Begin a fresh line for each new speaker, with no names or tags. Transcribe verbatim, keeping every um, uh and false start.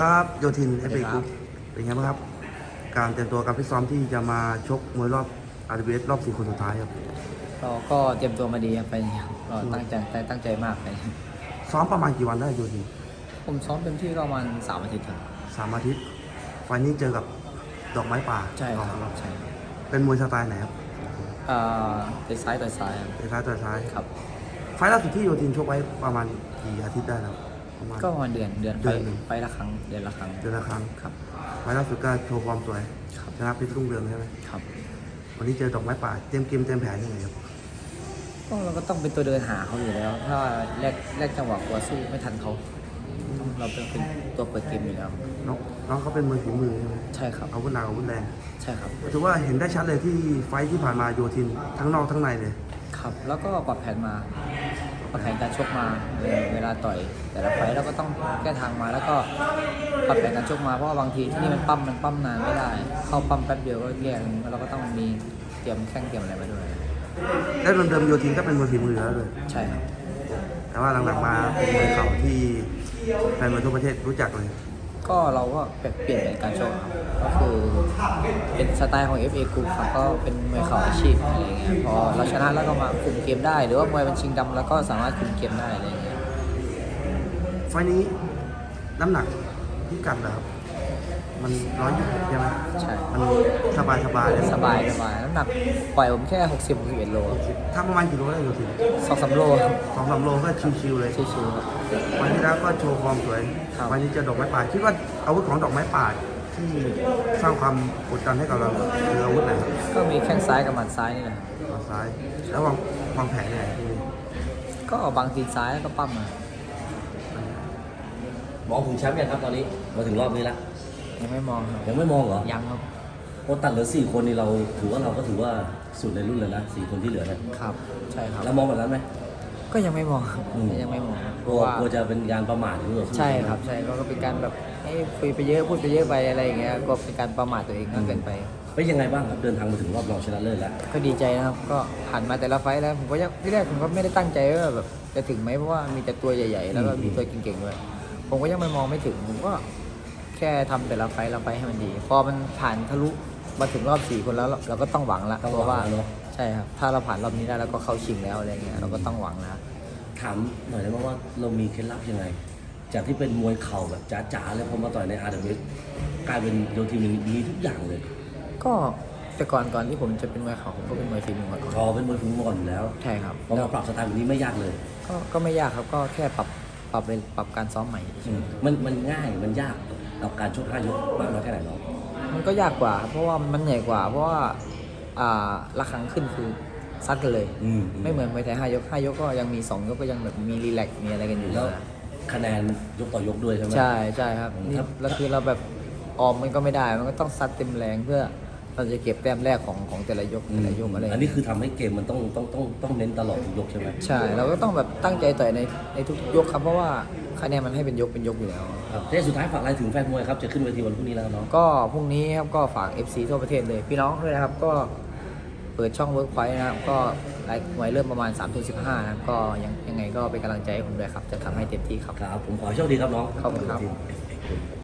ครับโยธินเอฟเอ
ค
ก
รั
รุ๊
บ
ปเป็นไงบ้างครับการเตรียมตัวการฟิตซ้อมที่จะมาชกมวยรอบ อาร์ ดับเบิลยู เอส รอบสี่คนสุดท้ายครับ
เราก็เตรียมตัวมาดีครับไปเนี่ยเราตั้งใจตั้งใจมากไป
ซ้อมประมาณกี่วันได้โยธิน
ผมซ้อมเต็มที่ประมาณสามอาทิตย์ครับ
สามอาทิตย์ไฟล์นี้เจอกับดอกไม้ป่า
ใช่ค
ต่
รั
อบ
ใช่ครับ
เป็นมวยสไตล์ไหนครับ
อ่าเป็นซ้ายต่อยซ้ายครับ
เตะซ้ายต่อยซ้าย
ครับ
ไฟล์ล่าสุดที่โยธินชกไว้ประมาณกี่อาทิตย์ได้แล้วประมาณ
ก็ประมาณเดือนเดือน
เดื
ไป
อนหนึ่ง
ไปละครั้งเดือนละครั้ง
เดือนละครั้ง
ครับ
ไฟล์ล่าสุดก็โชว์ความสวย
ครับ
ชนะเพชรรุ่งเรืองใช่ไหม
ครับ
วันนี้เจอดอกไม้ป่าเตรียมเกมเตรียมแผนยังไงครับ
ก็เราก็ต้องเป็นตัวเดินหาเขาอยู่แล้ว ถ้าแรกแรกจังหวะกลัวสู้ไม่ทันเขาต้องเราเป็นเป็นตัวเปิดเกมอยู่แล้ว
น้องน้องเขาเป็นมวยฝีมือใช่ไหม
ใช่ครับ
อาวุธหนักอาวุธแรง
ใช่ครับ
ถือว่าเห็นได้ชัดเลยที่ไฟท์ที่ผ่านมาโยธินทั้งนอกทั้งในเลย
ครับแล้วก็ปรับแผนมาปรับแผนการชกมาเวลาเวลาต่อย แต่ละไฟต์เราก็ต้องแก้ทางมาแล้วก็ปรับแผนการชกมาเพราะว่าบางทีที่นี่มันปั้มมันปั้มนานไม่ได้ เข้าปั้มแป๊บเดียวก็แย่แล้วเราก็ต้องมีเตรียมแข้งเตรียมอะไรมาด้วย
และเดิมๆโยธินก็เป็นมวยฝีมือแล้วเลย
ใช่ครับ
แต่ว่าหลังๆมาเป็นมวยเข่าที่แฟนมวยทั่วประเทศรู้จักเลย
ก็เราก็เปลี่ยนแผนการชกครับก็คือเป็นสไตล์ของ เอฟ เอ Group ครับก็เป็นมวยเข่าอาชีพอะไรเงี้ยพอเราชนะแล้วก็มาคุมเกมได้ หรือว่ามวยมันชิงดำแล้วก็สามารถคุมเกมได้อะไรเงี้ย
ไฟท์นี้น้ำหนักพิกัดเหรอครับมันร้อยยี่สิบใช่ไหม
ใช่
มันสบายสบายๆเลย
สบายสบายน้ำหนักปล่อยผมแค่หกสิบ หกสิบเอ็ดโล
ถ้าประมาณกี่โลได้โยธิน
สองสามโล
สองสามโลก็ชิวๆเลย
ชิวๆครับ
วันที่แล้วก็โชว์ความสวย
ครับ
วันนี้เจอดอกไม้ป่าคิดว่าอาวุธของดอกไม้ป่าที่สร้างความกดดันให้กับเราคืออาวุธไหนครับ
ก็มีแข้งซ้ายกับหมัดซ้ายนี่แหละครับ
ฝั่งซ้ายแล้ววางวางแผนยังไงที่นี่
ก็บางตีนซ้ายแล้วก็ปั้มมา
มองถึงแชมป์ยังครับตอนนี้มาถึงรอบนี้แล้ว
ยังไม่มองครับ
ยังไม่มองเหรอ
ยังครับ
โอ้ตัดเหลือสี่คนนี่เราถือว่าเราก็ถือว่าสุดในรุ่นเลยนะสี่คนที่เหลือเนี่ย
ครับใช่ครับ
แล้วมองแบบนั้นไหม
ก็ยังไม่มองครับ
อืม
ยังไม่มองครับเพ
กลั
ราะ
ว
ว่าก
ลัวจะเป็นการประมาทหรือเปล่า
ใช่ครับใช่ก็เป็นการแบบให้คุยไปเยอะพูดไปเยอะไปอะไรอย่างเงี้ยก็เป็นการประมาทตัวเองมากเกินไป
เป็นยังไงบ้างครับเดินทางมาถึงรอบรองชนะเลิศแล้ว
ก็ดีใจนะครับก็ผ่านมาแต่ละไฟต์แล้วผมก็ยังที่แรกผมก็ไม่ได้ตั้งใจว่าแบบจะถึงไหมเพราะว่ามีแต่ตัวใหญ่ๆ แล้วก็มีตัวเก่งๆด้วยผมก็ยังไม่มองไม่ถึงผมก็แค่ทำแต่ละไฟต์ละไฟต์ให้มันดี พอมันผ่านทะลุมาถึงรอบสี่คนแล้วเราเราก็ต้องหวังละ
ต้อง
เพราะว่า
หวังแล้วเนอะ
ใช่ครับถ้าเราผ่านรอบนี้ได้แล้วก็เข้าชิงแล้วอะไรเงี้ยเราก็ต้องหวังนะ
ถามหน่อยได้ไหมว่าเรามีเคล็ดลับยังไง จากที่เป็นมวยเข่าแบบจ๋าๆเลยพอมาต่อยใน อาร์ ดับเบิลยู เอส กลายเป็นโยทีมมีทุกอย่างเลย
ก็แต่ก่อนก่อนที่ผมจะเป็นมวยเข่าผมก็เป็นมวยฝีมือมาก่อน
พอเป็นมวยฝีมือมาก่อนอยู่แล้ว
ใช่ครับ
พอมาปรับสไตล์แบบนี้ไม่ยากเลย
ก็ก็ไม่ยากครับก็แค่ปรับปรับเป็นปรับการซ้อมใหม่เฉย
มันมันง่ายมันยากกับการชกห้ายกมากน้อยแค่ไหนเนาะ
มันก็ยากกว่า เพราะว่ามันเหนื่อยกว่า เพราะว่าอ่าละครั้งขึ้นคือซัดกันเลย
อืม
ไม่เหมือนมวยไทยห้ายกห้ายกก็ยังมีสองยกก็ยังแบบมีรีแลกซ์มีอะไรกันอยู่
แล้ว
นะ
คะแนนยกต่อยกด้วยใช่ไหม
ใช่ใช่ครับนี่
ครับ
แล้วคือเราแบบออมมันก็ไม่ได้ มันก็ต้องซัดเต็มแรงเพื่อเราจะเก็บแต้มแรกของของแต่ละยกแต่ละยกอะไร
อันนี้คือทำให้เกมมันต้องต้องต้องต้องเน้นตลอดทุกยกใช่ไหม
ใช่เราก็ต้องแบบตั้งใจต่อยในในทุกยกครับเพราะว่าคะแนนมันให้เป็นยกเป็นยกอยู่แล้ว
ครับเทสุดท้ายฝากอะไรถึงแฟนมวยครับจะขึ้นเวทีวันพรุ่งนี้แล้วเนาะ
ก็พรุ่งนี้ครับก็ฝาก เอฟ ซี ทั่วประเทศเลยพี่น้องด้วยนะครับก็เปิดช่องเวิร์กไฟนะครับก็ไลฟ์มวยเริ่มประมาณสามทุ่มสิบห้านะครับก็ยังยังไงก็เป็นกำลังใจให้ผมด้วยครับจะทำให้เต็มที่ครับ
ครับผมขอให้โชคดีครับน้อง
ขอบคุณครับ